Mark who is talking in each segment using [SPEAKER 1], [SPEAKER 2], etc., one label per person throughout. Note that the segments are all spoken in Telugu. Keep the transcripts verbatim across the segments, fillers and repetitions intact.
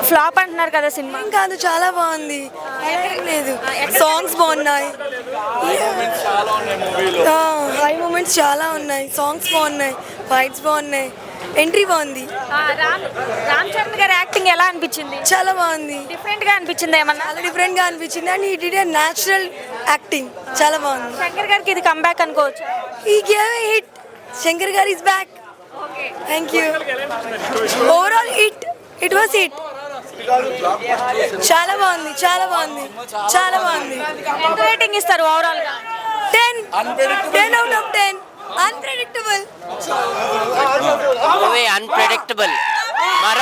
[SPEAKER 1] ఫ్లాప్ అంటున్నారు కదా సినిమా.
[SPEAKER 2] ఏం కాదు, చాలా బాగుంది. ఏం లేదు, సాంగ్స్ బాగున్నాయి, హై మూమెంట్స్ చాలా ఉన్నాయి, సాంగ్స్ బాగున్నాయి, ఫైట్స్ బాగున్నాయి, ఎంట్రీ బాగుంది.
[SPEAKER 1] ఆ, రామ్ రామ్ చరణ్ గారి యాక్టింగ్ ఎలా అనిపించింది?
[SPEAKER 2] చాలా బాగుంది,
[SPEAKER 1] డిఫరెంట్ గా అనిపించింది ఏమన్నా?
[SPEAKER 2] చాలా డిఫరెంట్ గా అనిపించింది. అండ్ ఈ డిడ్ న్యాచురల్ యాక్టింగ్ చాలా బాగుంది.
[SPEAKER 1] శంకర్ గారికి ఇది కంబ్యాక్ అనుకోవచ్చు.
[SPEAKER 2] ఈ గేవ్ హిట్, శంకర్ గారు is back. Thank you. Overall hit, it was hit. చాలా బాగుంది, చాలా బాగుంది, చాలా బాగుంది.
[SPEAKER 1] ఎంత రేటింగ్ ఇస్తారు ఓవరాల్ గా?
[SPEAKER 2] Ten ten out of ten. Unpredictable
[SPEAKER 3] movie, unpredictable. మరో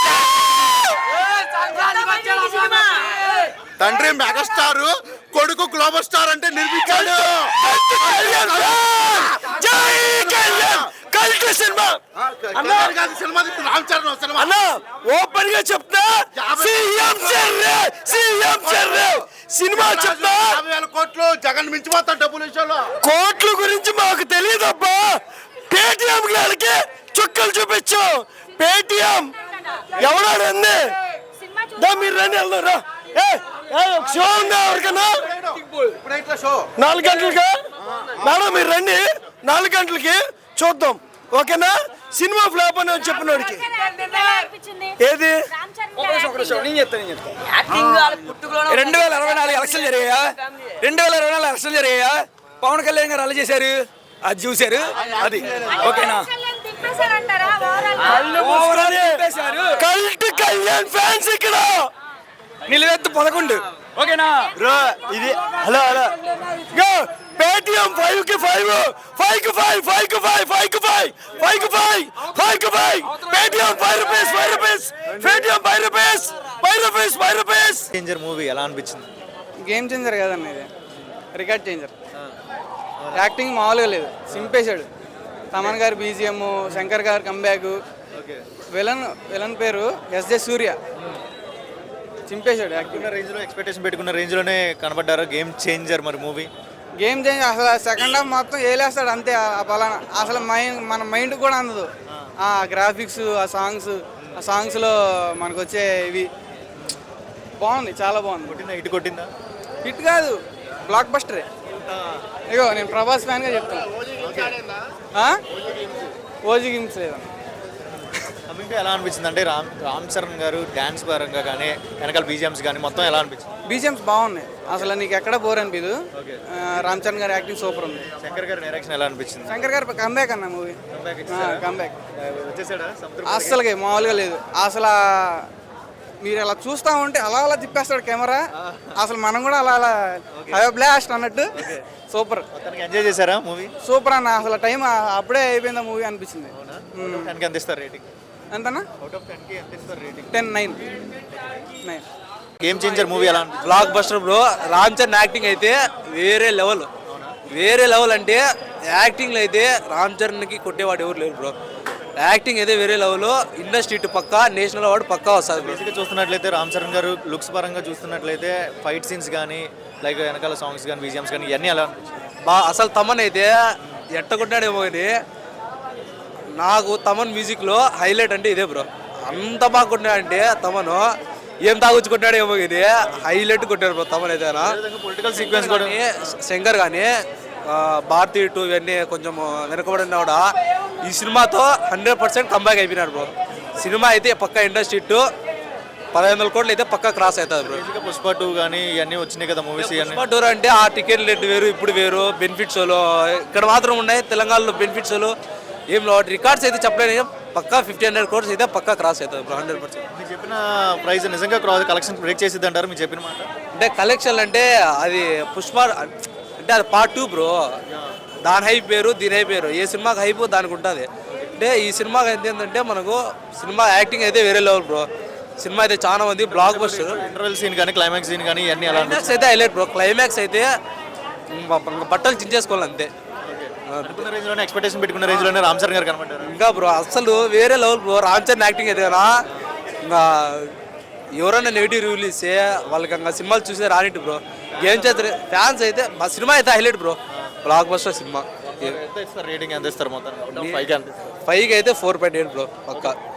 [SPEAKER 4] తండ్రి మెగాస్టార్, కొడుకు గ్లోబల్ స్టార్ అంటే నిర్మించాడు.
[SPEAKER 5] ఓపెన్ గా చెప్తా, సీఎం చర్రే, సీఎం చర్రే. సినిమా చెప్తా,
[SPEAKER 4] యాభై వేల కోట్లు జగన్ మించిపోతా డబ్బుల విషయంలో.
[SPEAKER 5] కోట్ల గురించి మాకు తెలియదబ్బా. పేటిఎం గారికి చుక్కలు చూపించు. పేటిఎం ఎవడాడు అంది? మీరు రండి, వెళ్దారా. షో ఉందా ఎవరికన్నా? నాలుగు గంటలకి మేడం మీరు రండి, నాలుగు గంటలకి చూద్దాం, ఓకేనా? సినిమా ఫ్లాప్ అని చెప్పినోడికి ఏది
[SPEAKER 6] రెండు వేల ఇరవై నాలుగు ఎలక్షన్ జరిగాయా రెండు వేల ఇరవై నాలుగు ఎలక్షన్ జరిగాయా పవన్ కళ్యాణ్ గారు అలా చేశారు, అది చూశారు, అది ఓకేనా?
[SPEAKER 5] కల్ట్ కళ్యాణ్ ఫ్యాన్స్ ఇక్కడ
[SPEAKER 6] నిలువెత్తు పదకొండు, ఓకేనా?
[SPEAKER 5] ఇది హలో హలో పేటిఎం ఫైవ్ కి ఫైవ్, ఫైవ్ కి ఫైవ్, ఫైవ్ కి ఫైవ్, ఫైవ్ కి ఫైవ్, ఫైవ్ కి ఫైవ్, ఫైవ్ కి five. Paytm five rupees, five rupees, Paytm five rupees, five rupees, five rupees.
[SPEAKER 7] Changer movie ఎలా అనిపించింది?
[SPEAKER 8] గేమ్ చేంజర్ కదన్న, ఇది రికార్డ్ చేంజర్. యాక్టింగ్ మామూలుగా లేదు, సింపేశాడు. తమన్ గారు బీజిఎం, శంకర్ గారు కంబ్యాక్, విలన్ విలన్ పేరు ఎస్ జే సూర్య, చింపేశాడు. యాక్టింగ్
[SPEAKER 7] రేంజ్లో ఎక్స్పెక్టేషన్ పెట్టుకున్న రేంజ్లోనే కనబడ్డారు గేమ్ చేంజర్ మరి మూవీ.
[SPEAKER 8] గేమ్ చేంజ్ అసలు సెకండ్ హాఫ్ మొత్తం వేలేస్తాడు అంతే. ఆ పలానా అసలు మైండ్ మన మైండ్ కూడా అందదు. ఆ గ్రాఫిక్స్, ఆ సాంగ్స్, ఆ సాంగ్స్లో మనకు వచ్చే ఇవి బాగుంది, చాలా బాగుంది.
[SPEAKER 7] కొట్టిందా? హిట్ కొట్టిందా?
[SPEAKER 8] హిట్ కాదు, బ్లాక్ బస్టరే. ఇగో నేను ప్రభాస్ ఫ్యాన్గా చెప్తాను. ఓజీ గేమ్స్ లేదా
[SPEAKER 7] ఇంకా ఎలా అనిపించింది అంటే రామ్ రామ్ చరణ్ గారు డ్యాన్స్ పరంగా కానీ వెనకాల బీజిఎమ్స్ కానీ మొత్తం ఎలా అనిపించింది?
[SPEAKER 8] బీజిఎమ్స్ బాగున్నాయి, అసలు నీకు ఎక్కడ బోర్ అనిపించదు. రామ్ చరణ్ గారి యాక్టింగ్ సూపర్ ఉంది.
[SPEAKER 7] శంకర్ గారి డైరెక్షన్ ఎలా అనిపించింది?
[SPEAKER 8] శంకర్ గారు కంబ్యాక్ అన్న మూవీ, కంబ్యాక్
[SPEAKER 7] వచ్చేసాడా?
[SPEAKER 8] అస్సలుగా మామూలుగా లేదు. అసలు మీరు అలా చూస్తూ ఉంటే అలా అలా తిప్పేస్తాడు కెమెరా. అసలు మనం కూడా అలా అలా హై బ్లాస్ట్ అన్నట్టు సూపర్.
[SPEAKER 7] ఎంజాయ్ చేశారా మూవీ?
[SPEAKER 8] సూపర్ అన్న, అసలు టైం అప్పుడే అయిపోయింది మూవీ అనిపించింది.
[SPEAKER 7] ఎంత ఇస్తారు రేటింగ్?
[SPEAKER 8] ఎంతన్నా?
[SPEAKER 7] అవుట్ ఆఫ్ టెన్ కి ఎంత ఇస్తారు rating?
[SPEAKER 8] Ten nine nine.
[SPEAKER 7] Game changer movie ఎలా అనిపించింది?
[SPEAKER 6] Blockbuster bro. Ram Charan acting అయితే వేరే లెవెల్, వేరే లెవెల్. అంటే యాక్టింగ్లో అయితే రామ్ చరణ్కి కొట్టేవాడు ఎవరు లేరు బ్రో. యాక్టింగ్ అయితే వేరే లెవెల్. ఇండస్ట్రీ ఇటు పక్క, నేషనల్ అవార్డు పక్కా వస్తుంది.
[SPEAKER 7] బేసిక్గా చూస్తున్నట్లయితే రామ్ చరణ్ గారు లుక్స్ పరంగా చూస్తున్నట్లయితే ఫైట్ సీన్స్ కానీ లైక్ వెనకాల సాంగ్స్ కానీ బీజిఎమ్స్ కానీ ఇవన్నీ ఎలా అనిపించింది?
[SPEAKER 6] బా అసలు తమన్ అయితే ఎట్టగొట్టాడేమో కానీ నాకు తమన్ మ్యూజిక్లో హైలైట్ అంటే ఇదే బ్రో. అంత బాగా కొట్టినాడంటే తమను ఏం తాగుచ్చుకుంటాడు ఏమో ఇది హైలైట్ కొట్టాడు బ్రో తమన్ అయితే.
[SPEAKER 7] పొలిటికల్ సీక్వెన్స్ కూడా
[SPEAKER 6] శంకర్ కానీ భారతీ టూ ఇవన్నీ కొంచెం వెనకబడినా కూడా ఈ సినిమాతో హండ్రెడ్ పర్సెంట్ కంబ్యాక్ అయిపోయినాడు బ్రో. సినిమా అయితే పక్క ఇండస్ట్రీ టూ పదహైదు వందల కోట్లు అయితే పక్క క్రాస్ అవుతుంది బ్రో.
[SPEAKER 7] పుష్ప టూ కానీ ఇవన్నీ వచ్చినాయి కదా మూవీస్.
[SPEAKER 6] పుష్ప టూ అంటే ఆ టికెట్ రేట్ వేరు, ఇప్పుడు వేరు. బెనిఫిట్స్ ఇక్కడ మాత్రం ఉన్నాయి, తెలంగాణలో బెనిఫిట్స్ ఏం రికార్డ్స్ అయితే చెప్పలేను. పక్కా ఫిఫ్టీ హండ్రెడ్ కోర్స్ అయితే పక్కా క్రాస్ అవుతుంది బ్రో, హండ్రెడ్ పర్సెంట్.
[SPEAKER 7] మీరు చెప్పిన ప్రైస్ నిజంగా క్రాస్ కలెక్షన్ బ్రేక్ చేసిద్ది అంటారు మీరు చెప్పిన మాట?
[SPEAKER 6] అంటే కలెక్షన్ అంటే అది పుష్ప అంటే అది పార్ట్ టూ బ్రో. దాని హైప్ పేరు, దీని హైప్ పేరు. ఏ సినిమాకి హైప్ దానికి ఉంటుంది. అంటే ఈ సినిమాకి అయితే ఏంటంటే మనకు సినిమా యాక్టింగ్ అయితే వేరే లెవెల్ బ్రో. సినిమా అయితే చాలా మంది బ్లాక్ బస్టర్.
[SPEAKER 7] ఇంటర్వెల్ సీన్ కానీ క్లైమాక్స్ సీన్ కానీ ఇవన్నీ ఎలా
[SPEAKER 6] క్లైమాక్స్ అయితే హైలైట్ బ్రో. క్లైమాక్స్ అయితే బట్టలు చించేసుకోవాలి అంతే.
[SPEAKER 7] రేంజ్లోనే ఎక్స్పెక్టేషన్ పెట్టుకున్న రేంజ్లోనే రామ్ చరణ్ గారు కనబడ్డారు
[SPEAKER 6] ఇంకా బ్రో. అసలు వేరే level bro. Ram Charan acting అయితే కదా ఇంకా ఎవరైనా నెగిటివ్ రివ్యూలు ఇస్తే వాళ్ళకి ఇంకా సినిమాలు చూసే రానిట్టు బ్రో. గేమ్ చేస్తారు ఫ్యాన్స్ అయితే. మా సినిమా అయితే హైలైట్ బ్రో, బ్లాక్ బస్టర్ సినిమా.
[SPEAKER 7] రేటింగ్ ఎంత ఇస్తారు మొత్తం?
[SPEAKER 6] ఫైవ్కి అయితే ఫోర్ పాయింట్ ఎయిట్ బ్రో పక్కా.